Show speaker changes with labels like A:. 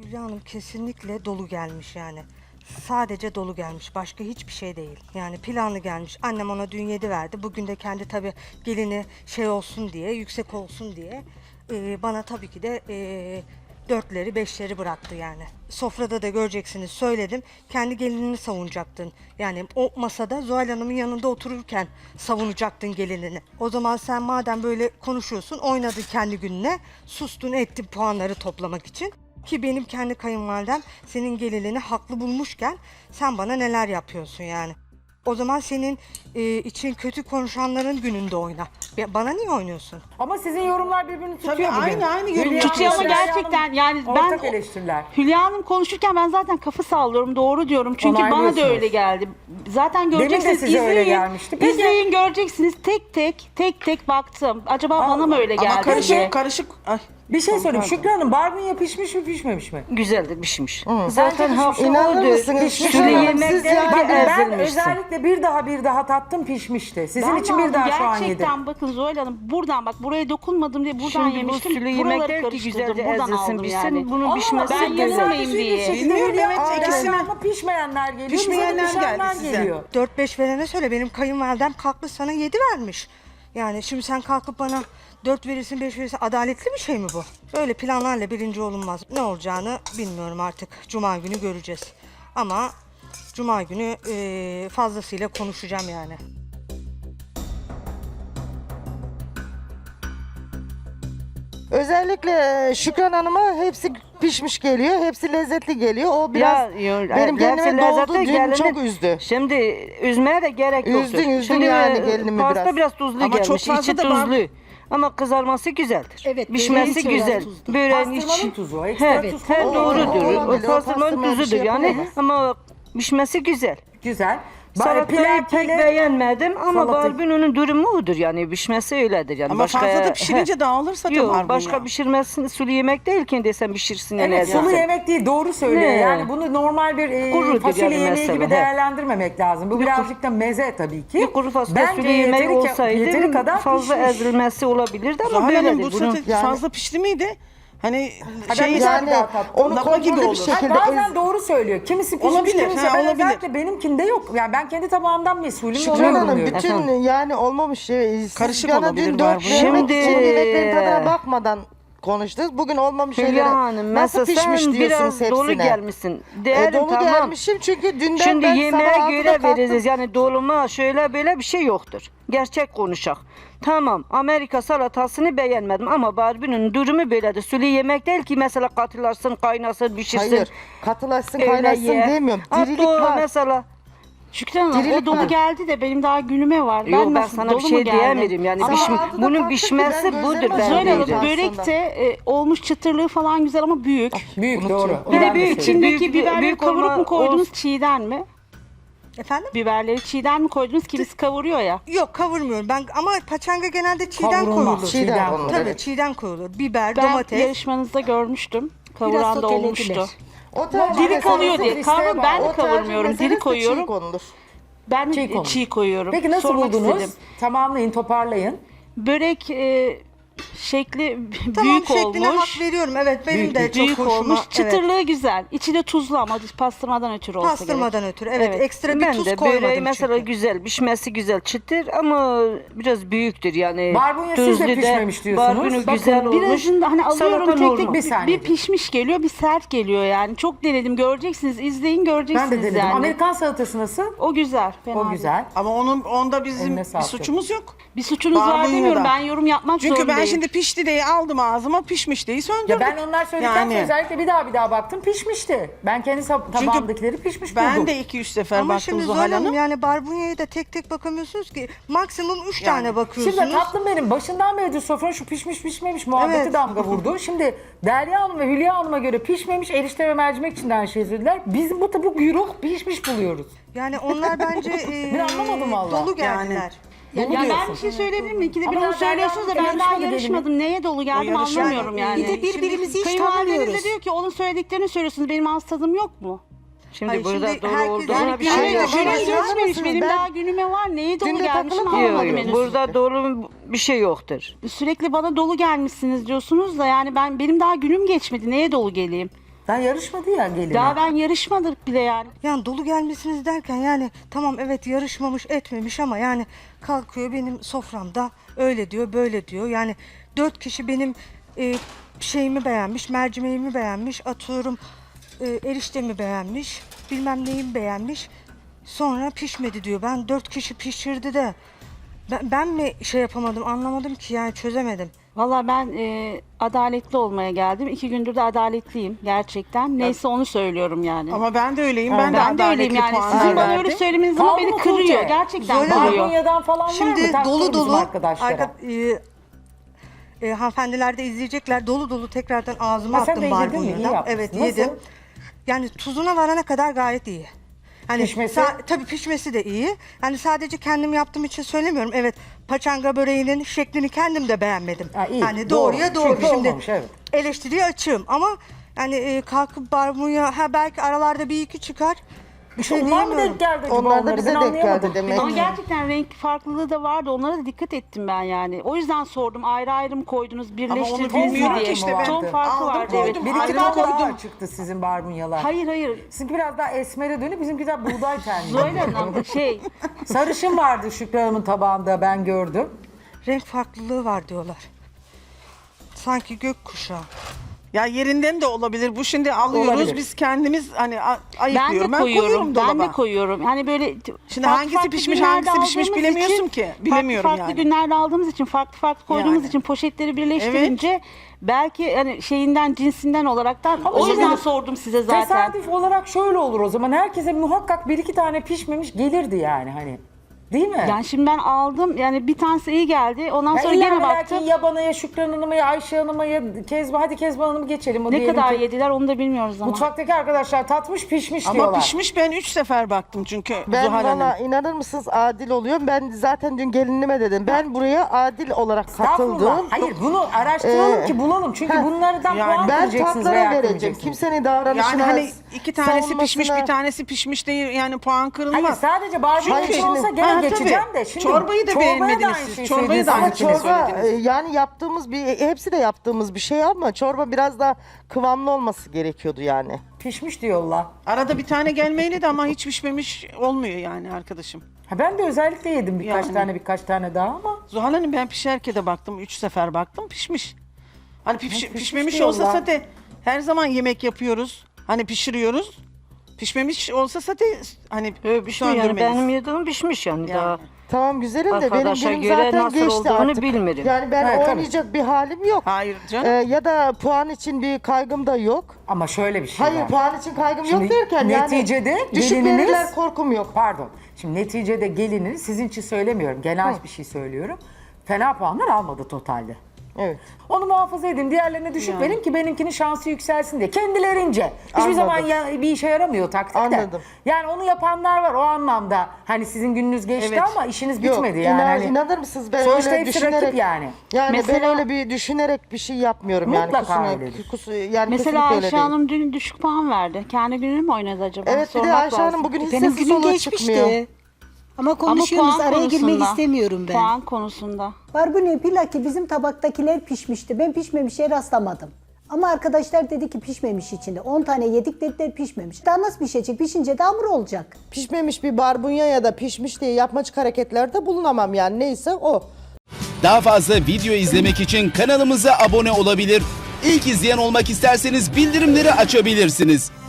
A: Hülya Hanım kesinlikle dolu gelmiş yani. Sadece dolu gelmiş. Başka hiçbir şey değil. Yani planlı gelmiş. Annem ona dün 7 verdi. Bugün de kendi tabii gelini şey olsun diye, yüksek olsun diye bana tabii ki de 4'leri 5'leri bıraktı yani. Sofrada da göreceksiniz söyledim. Kendi gelinini savunacaktın. Yani o masada Zuhal Hanım'ın yanında otururken savunacaktın gelinini. O zaman sen madem böyle konuşuyorsun oynadın kendi gününe. Sustun ettin puanları toplamak için. Ki benim kendi kayınvalidem senin gelinini haklı bulmuşken sen bana neler yapıyorsun yani. O zaman senin için kötü konuşanların gününde oyna. Bana niye oynuyorsun?
B: Ama sizin yorumlar birbirini tutuyor
C: Tabii
B: bugün.
C: aynı yorum
B: Hülya
D: Tutuyor ama
B: Hanım,
D: gerçekten yani
B: ortak
D: ben
B: eleştiriler.
D: Hülya Hanım konuşurken ben zaten kafa sallıyorum, doğru diyorum. Çünkü bana da
B: Onaylıyorsunuz.
D: öyle geldi. Zaten
B: Demin de
D: göreceksiniz,
B: size öyle
D: izleyin.
B: gelmişti. Peki.
D: İzleyin, göreceksiniz. Tek tek baktım. Acaba bana mı öyle geldi
C: Ama
D: diye.
C: karışık. Ay.
B: Bir şey söyleyeyim. Şükrü Hanım barbunya pişmiş mi pişmemiş mi?
E: Güzeldir, pişmiş.
B: Zaten
F: İnanır mısınız?
B: Pişmiş
F: Şükran
B: mi?
F: Hanım,
E: yemek
F: siz
E: de-
F: yani
B: Bakın ben
E: ezilmişsin.
B: özellikle bir daha tattım pişmişti. Sizin
D: Ben
B: için
D: de
B: bir daha
D: aldım.
B: şu an yedim.
D: Gerçekten bakın Zuhal Hanım buradan bak buraya dokunmadım diye buradan
E: Şimdi bu
D: yemiştim.
E: sülü yemek
D: Buraları
E: değil ki
D: karıştırdım.
E: güzelce
D: Buradan
E: ezilsin,
D: aldım
E: bitsin.
D: yani.
E: Bunun pişmesi
D: ben
E: güzel.
D: yanılmayayım diye.
C: Bilmiyorum, evet, ikisine.
B: Ama pişmeyenler geliyor.
C: Pişmeyenler
B: bize de pişenler
C: geldi size.
B: geliyor.
A: 4-5 verene söyle benim kayınvalidem kalktı sana 7 vermiş. Yani şimdi sen kalkıp bana 4 verirsin 5 verirsin adaletli bir şey mi bu? Böyle planlarla birinci olunmaz. Ne olacağını bilmiyorum artık. Cuma günü göreceğiz. Ama Cuma günü fazlasıyla konuşacağım yani.
F: Özellikle Şükran Hanım'a hepsi pişmiş geliyor, hepsi lezzetli geliyor. O biraz benim kendime doldu, dün çok üzdü.
E: Şimdi üzmeye de gerek yoktur.
F: Üzdün
E: Şimdi
F: yani gelinimi
E: pasta
F: biraz.
E: biraz tuzlu
C: Ama
E: gelmiş,
C: çok fazla
E: içi
C: da
E: tuzlu. Ama kızarması güzeldir.
G: Evet,
E: pişmesi
G: böreğin
E: güzel.
G: tuzlu.
E: Böreğin
B: Pastırmanın
E: içi.
B: tuzu, ekstra tuz
E: He,
B: falan
E: doğrudur.
F: olabilir.
E: O
F: O
E: pastırmanın
F: pastırma bir
E: tuzudur
F: şey
E: yani.
F: yapamaz.
E: Ama pişmesi güzel.
B: Güzel.
E: Salatayı pek beğenmedim ama
B: Salatayı-
E: barbunonun durumu odur yani pişmesi öyledir yani.
C: Ama fazla da
E: He.
C: pişirince dağılırsa da
E: Yok
C: barbunya.
E: başka pişirmesin sulu yemek değil ki desem pişirsin yani.
B: Evet sulu yemek değil doğru söylüyor.
E: Ne?
B: Yani bunu normal bir
E: Kurudur
B: fasulye
E: yani
B: yemeği
E: mesela,
B: gibi
E: he.
B: değerlendirmemek lazım. Bu birazcık da meze tabii ki.
E: Bir kuru fasulye
B: Bence
E: sulu yemeği
B: yeteri
E: olsaydı
B: kadar
E: fazla
B: pişmiş.
E: ezilmesi olabilirdi ama
C: Zuhal Hanım
E: böyledir
C: bu
E: bunun.
C: sote
F: Yani-
C: fazla pişti miydi? Hani
B: ben
C: şey
B: güzel
F: Yani
B: bir daha tattım.
F: onu
C: Lapa gibi
F: kontrollü bir
C: olur.
F: şekilde
B: Bazen doğru söylüyor. Kimisi pişmiş,
C: Olabilir,
B: kimisi
C: ha,
B: ben
C: olabilir.
B: özellikle benimkinde yok. Yani ben kendi tabağımdan mesulüm.
F: Şükran
B: oluyorum
F: Hanım
B: diyor.
F: bütün
E: Efendim?
F: yani olmamış şey. Siz
C: Karışık
F: bana
C: olabilir
F: dün
C: var
F: 4
C: bu.
E: Şimdi-
F: yemeklerin tadına bakmadan konuştunuz. Bugün olmamış şeyleri
E: Hülya Hanım
F: nasıl
E: mesela
F: pişmiş
E: sen
F: diyorsunuz
E: biraz dolu
F: hepsine.
E: gelmişsin. Değerim
F: Dolu
E: tamam.
F: gelmişim çünkü dünden
E: Şimdi
F: ben
E: yemeğe
F: sabah
E: göre
F: 6'da kalktım.
E: veririz yani doluma şöyle böyle bir şey yoktur. Gerçek konuşak. Tamam Amerika salatasını beğenmedim ama barbunun durumu böyledir. Sulu yemek değil ki mesela katılarsın, kaynasın, pişirsin.
F: Hayır, katılaşsın
E: öyle
F: kaynasın
E: ye.
F: demiyorum.
E: Hatta
F: Dirilik var.
E: mesela
D: Şükran Hanım
F: Dirilik
D: o dolu
F: var.
D: geldi de benim daha günüme var.
E: Yok ben
D: nasıl,
E: sana
D: dolu
E: bir
D: mu
E: şey
D: geldi?
E: diyemiyorum yani
F: Ama
E: pişmiş.
F: altıda
E: Bunun
F: kalktık ki
E: pişmesi
F: ben
E: budur
F: gözlerime
E: ben
D: Zuhal Hanım
F: Aslında.
D: börek de olmuş çıtırlığı falan güzel ama büyük.
B: Büyük doğru.
D: Bir
B: Ben
D: de büyük.
B: söyleyeyim.
D: İçindeki biberleri
E: büyük
D: kavurup
E: olma-
D: mu koydunuz çiğden mi?
A: Efendim?
D: Biberleri çiğden mi koydunuz? Kimisi kavuruyor ya.
A: Yok kavurmuyorum ben ama paçanga genelde çiğden
B: Kavrulmaz.
A: koyulur.
F: Çiğden konulur,
A: Tabii
F: evet.
A: çiğden koyulur. Biber,
D: Ben
A: domates.
D: yarışmanızda görmüştüm. Kavuran da
G: sotelediler.
D: olmuştu.
F: O tercih
D: Diri
F: meselesi-
D: kalıyor diye.
B: isteğe
D: Kavur,
B: bağlı.
D: ben
F: o
D: de
F: tercih
D: kavurmuyorum.
F: meselesi
D: Diri
F: de
D: koyuyorum.
F: çiğ konulur.
D: Ben
B: Çiğ konulur.
D: çiğ koyuyorum.
B: Peki nasıl
D: Sormak
B: buldunuz?
D: istedim.
B: Tamamlayın, toparlayın.
D: Börek şekli
A: Tamam
D: büyük
A: şekline
D: olmuş.
A: hak veriyorum. Evet benim
B: Büyük,
A: de
B: büyük.
A: çok
D: Büyük
A: hoşuma.
D: olmuş.
A: Evet.
D: Çıtırlığı güzel. İçi de tuzlu ama pastırmadan ötürü olsa
A: Pastırmadan
D: gerek.
A: ötürü. Evet, ekstra bir
E: ben
A: tuz
E: de
A: koymadım
E: böreği mesela
A: çünkü.
E: güzel, pişmesi güzel, çıtır ama biraz büyüktür yani.
B: Barbunya siz de
E: Tuzlu
B: pişmemiş diyorsunuz.
E: Barbunu
B: Bakın,
E: güzel olmuş.
D: Birazında hani alıyorum
E: Salata
D: tek
E: normal.
D: tek
B: Bir saniye.
D: bir pişmiş geliyor bir sert geliyor yani. Çok denedim göreceksiniz izleyin göreceksiniz
B: Ben de denedim.
D: yani.
B: Amerikan salatası nasıl?
D: O güzel. Fena
B: O
D: değil.
B: güzel.
C: ama onda bizim
B: Eline
C: bir
B: sağlık.
C: suçumuz yok.
D: Bir suçunuz var
C: Barbunya
D: demiyorum
C: da.
D: ben yorum yapmak
C: Çünkü ben
D: zorundayım.
C: şimdi pişti diye aldım ağzıma, pişmiş diye söndürdüm.
B: Ya ben onlar söyledikten sonra
C: Yani.
B: özellikle bir daha baktım pişmişti. Ben kendi tabağımdakileri pişmiş
C: Ben
B: buldum.
C: de 2-3 sefer
A: Ama
C: baktım
A: şimdi
C: Zuhal
A: Zuhal
C: Hanım.
A: Hanım yani barbunyaya da tek tek bakamıyorsunuz ki. Maksimum 3 tane bakıyorsunuz.
B: Şimdi tatlım benim başından beri sofranın şu pişmiş pişmemiş muhabbeti
A: Evet.
B: damga vurdu. Şimdi Derya Hanım ve Hülya Hanım'a göre pişmemiş erişte ve mercimek için de aynı şey söylediler. Biz bu güruh pişmiş buluyoruz.
A: Yani onlar bence
B: Ben anlamadım valla.
A: dolu geldiler.
C: Yani.
D: Ya ben
B: diyorsun.
D: bir şey söyleyebilir miyim? İkide bir
B: Ama
D: onu
B: daha
D: söylüyorsunuz da
B: Derya
D: ben daha
B: Hanım
D: yarışmadım. Neye dolu geldim
C: yarışma-
D: anlamıyorum yani.
G: Bir de birbirimizi hiç
D: Kayınvalideniz de
G: tanımıyoruz.
D: diyor ki onun söylediklerini söylüyorsunuz. Benim ağız tadım yok mu?
E: Şimdi
A: Hayır,
E: burada
A: şimdi
E: doğru
A: herkes-
E: olduğuna
A: Yani
E: bir
D: Yani
E: şey yok.
D: günüm
F: Hayır,
D: geçmemiş.
F: anlamazsınız.
D: Benim
F: Ben-
D: daha günüme var. Neye dolu
F: Dün de
D: gelmişim
F: takılıp
D: anlamadım
E: Yok, yok.
D: henüz.
E: Burada doğru bir şey yoktur.
D: Sürekli bana dolu gelmişsiniz diyorsunuz da yani benim daha günüm geçmedi. Neye dolu geleyim?
B: Daha yarışmadı ya gelini.
D: Daha ben yarışmadık bile yani.
A: Yani dolu gelmesiniz derken yani tamam evet yarışmamış etmemiş ama yani kalkıyor benim soframda öyle diyor böyle diyor. Yani 4 kişi benim şeyimi beğenmiş, mercimeğimi beğenmiş, atıyorum eriştemi beğenmiş, bilmem neyimi beğenmiş. Sonra pişmedi diyor. Ben 4 kişi pişirdi de ben mi şey yapamadım anlamadım ki yani çözemedim.
D: Valla ben adaletli olmaya geldim. 2 gündür de adaletliyim gerçekten. Neyse onu söylüyorum yani.
C: Ama ben de öyleyim. Ben de
D: ben de öyleyim
C: adaletli
D: yani.
C: puan
D: Sizin bana
C: verdim.
D: öyle söylemeniz ama
B: Kaldı
D: beni
B: mı
D: kırıyor.
B: Tuğçe?
D: Gerçekten
A: Söyle.
D: kırıyor.
B: Barbunyadan falan var mı?
A: Şimdi
B: Taktırın
A: dolu
B: bizim
A: dolu
B: arkadaşlara.
A: hanımefendiler de izleyecekler. Dolu dolu tekrardan ağzıma
B: Ha, sen
A: attım
B: de yedin mi? İyi
A: barbunyadan.
B: yapmışsın.
A: Evet
B: Nasıl?
A: yedim. Yani tuzuna varana kadar gayet iyi. Hani
B: Pişmesi?
A: tabii pişmesi de iyi. Yani sadece kendim yaptığım için söylemiyorum. Evet, paçanga böreğinin şeklini kendim de beğenmedim.
B: Ha, iyi,
A: Yani
B: doğru.
A: doğruya doğru.
B: Çünkü
A: Şimdi
B: olmamış, evet.
A: eleştiriye açığım ama yani kalkıp barbunya belki aralarda bir iki çıkar. Bir şey
B: Onlar mı
A: diyemiyorum.
B: denk geldi acaba
F: Onlar da
B: onları?
F: bize
B: Ben
F: denk
B: anlayamadım.
F: geldi demek.
D: Ama gerçekten renk farklılığı da vardı. Onlara da dikkat ettim ben yani. O yüzden sordum. Ayrı ayrı mı koydunuz, birleştirdiniz mi
C: bilmiyorum
D: diye.
C: ki işte ben.
D: Ton farkı
C: Aldım,
D: vardı
C: koydum.
D: evet.
B: Bir iki
C: Ayrı
B: tane
C: koydum.
B: daha çıktı sizin barbunyalar.
D: Hayır.
B: Sizinki biraz daha esmere dönüp bizimki daha buğday tenli.
D: Zoyla Hanım
B: Sarışın vardı Şükran Hanım'ın tabağında ben gördüm.
A: Renk farklılığı var diyorlar. Sanki gökkuşağı.
C: Ya yerinden de olabilir. Bu şimdi alıyoruz.
B: Olabilir.
C: Biz kendimiz hani
D: ben
C: ayıklıyorum.
D: de koyuyorum.
C: koyuyorum dolaba.
D: Ben de koyuyorum. Hani böyle
C: Şimdi hangisi pişmiş,
D: günlerde
C: hangisi pişmiş
D: aldığımız
C: bilemiyorsun
D: için,
C: ki. Bilemiyorum
D: farklı
C: yani.
D: günlerde aldığımız için, farklı koyduğumuz
C: Yani.
D: için poşetleri birleştirince belki hani şeyinden, cinsinden olaraktan
B: Ama
D: o yüzden
B: şimdi
D: sordum size zaten.
B: Tesadüf olarak şöyle olur o zaman. Herkese muhakkak bir iki tane pişmemiş gelirdi yani hani. Değil mi?
D: Yani şimdi ben aldım yani bir tanesi iyi geldi. Ondan
B: Ya
D: sonra
B: illa
D: gene
B: ve lakin
D: baktım.
B: ya bana ya Şükran Hanım'a ya Ayşe Hanım'a ya hadi Kezban Hanım'ı geçelim. O
D: Ne
B: diyelim
D: kadar
B: ki
D: yediler onu da bilmiyoruz ama.
B: Mutfaktaki arkadaşlar tatmış pişmiş
C: Ama
B: diyorlar.
C: pişmiş ben 3 sefer baktım çünkü
F: Ben
C: Zuhal Hanım.
F: valla inanır mısınız adil oluyorum. Ben zaten dün gelinime dedim. Ben buraya adil olarak
B: Estağfurullah.
F: katıldım.
B: Hayır bunu araştıralım ki bulalım. Çünkü bunlardan
C: yani
B: puan
F: Ben
B: kırmayacaksınız
F: tatlara
B: veya
F: vereceğim.
B: kırmayacaksınız.
F: Kimsenin davranışına,
C: Yani hani 2 tanesi pişmiş
F: savunmasına-
C: bir tanesi pişmiş değil yani puan kırılmaz.
B: Hayır sadece barbekü
F: Hayır,
B: için olsa
F: şimdi-
B: gene
C: Ha,
B: geçeceğim
C: tabii.
B: de. Şimdi
C: Çorbayı da
B: çorbaya
C: beğenmediniz
B: aynı
C: siz.
B: şeyi
C: Çorbayı da
B: söylediniz.
C: aynı
F: Ama
C: şeyi
F: çorba
C: söylediniz.
F: yani yaptığımız hepsi de yaptığımız bir şey ama çorba biraz daha kıvamlı olması gerekiyordu yani.
B: Pişmiş diyorlar.
C: Arada bir tane gelmeyeli de ama hiç pişmemiş olmuyor yani arkadaşım.
B: Ha, ben de özellikle yedim
C: Yani.
B: birkaç tane daha ama.
C: Zuhal Hanım ben pişerken de baktım 3 sefer baktım pişmiş. Hani
B: pişmiş
C: pişmemiş
B: diyorlar.
C: olsa zaten her zaman yemek yapıyoruz. Hani pişiriyoruz. Pişmemiş olsa zaten hani
E: Pişmiş yani
C: söndürmeliyiz.
E: benim yediğim pişmiş yani,
C: Yani.
E: daha.
F: Tamam güzelim de benim
E: Arkadaşa
F: günüm
E: göre
F: zaten
E: nasıl
F: geçti
E: olduğunu
F: artık.
E: bilmiyorum.
F: Yani ben
B: Evet, tabii.
F: oynayacak bir halim yok.
C: Hayır canım.
F: Ya da puan için bir kaygım da yok.
B: Ama şöyle bir şey
F: Hayır
B: var.
F: puan için kaygım
B: Şimdi
F: yok derken
B: neticede
F: yani düşük
B: gelininiz-
F: verirler korkum yok.
B: Pardon. Şimdi neticede gelinin sizin için söylemiyorum. Genel bir şey söylüyorum. Fena puanlar almadı totalde.
F: Evet.
B: Onu muhafaza edin. Diğerlerine düşük verin ki benimkinin şansı yükselsin diye. Kendilerince. Hiçbir
F: Anladım.
B: zaman bir işe yaramıyor taktik de.
F: Anladım.
B: Yani onu yapanlar var o anlamda. Hani sizin gününüz geçti
C: Evet.
B: ama işiniz
F: Yok,
B: bitmedi yani. Hani
F: inanır mısınız ben
B: sonuçta
F: öyle
B: hepsi rakip
F: düşünerek
B: yani.
F: Yani ben
D: Mesela-
F: öyle bir düşünerek bir şey yapmıyorum
B: Mutlaka
F: yani.
B: öyledir.
F: Yani
D: Mesela
F: kesinlikle öyle
D: Ayşe
F: değil.
D: Hanım dün düşük puan verdi. Kendi gününü mü oynadı acaba?
F: Evet bir de
D: Sormak
F: Ayşe Hanım
D: lazım.
F: bugün hiç
G: Benim
F: sesi
G: günüm
F: soluğu
G: geçmişti.
F: çıkmıyor.
G: Ama
D: Ama
G: konuşuyoruz,
D: puan
G: araya girmek
D: konusunda.
G: istemiyorum ben.
D: Puan konusunda.
G: Barbunya pilaki bizim tabaktakiler pişmişti. Ben pişmemişe rastlamadım. Ama arkadaşlar dedi ki pişmemiş içinde. 10 tane yedik dediler pişmemiş. Daha nasıl pişecek? Pişince de hamur olacak.
F: Pişmemiş bir barbunya ya da pişmiş diye yapmacık hareketlerde bulunamam yani neyse o.
H: Daha fazla video izlemek için kanalımıza abone olabilir. İlk izleyen olmak isterseniz bildirimleri açabilirsiniz.